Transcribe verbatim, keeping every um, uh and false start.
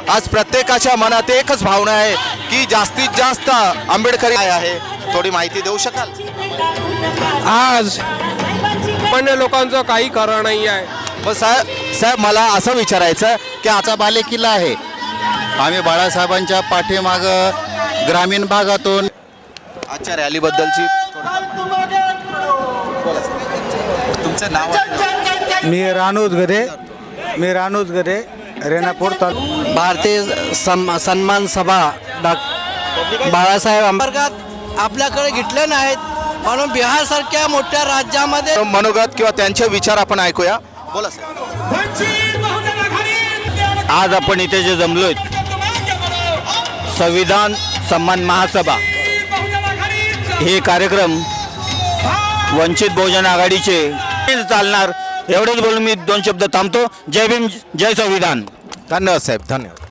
आज प्रत्येकाच्या मनात एकच भावना आहे की जास्तीत जास्त आंबेडकरी काय आहे, थोडी माहिती देऊ शकाल? आज सामान्य लोकांचं काही खरं नाही आहे. मग साहेब साहेब मला असं विचारायचं की आजचा बालेकिल्ला आहे, आम्ही बाळासाहेबांच्या पाठीमागं ग्रामीण भागातून आजच्या रॅलीबद्दलची तुमचं नाव आहे? मी रानोज गरे मी रानोज गरे रेणापूर तालुका भारतीय सम सन्मान सभा डॉ बाळासाहेब आंबेडकर आपल्याकडे घेतले नाहीत म्हणून बिहारसारख्या मोठ्या राज्यामध्ये मनोगत किंवा त्यांचे विचार आपण ऐकूया. बोला साहेब. आज आपण इथे जे जमलोय संविधान सन्मान महासभा हे कार्यक्रम वंचित बहुजन आघाडीचे चालणार, एवढेच बोलून मी दोन शब्द थांबतो. जय भीम, जय संविधान. धन्यवाद साहेब, धन्यवाद.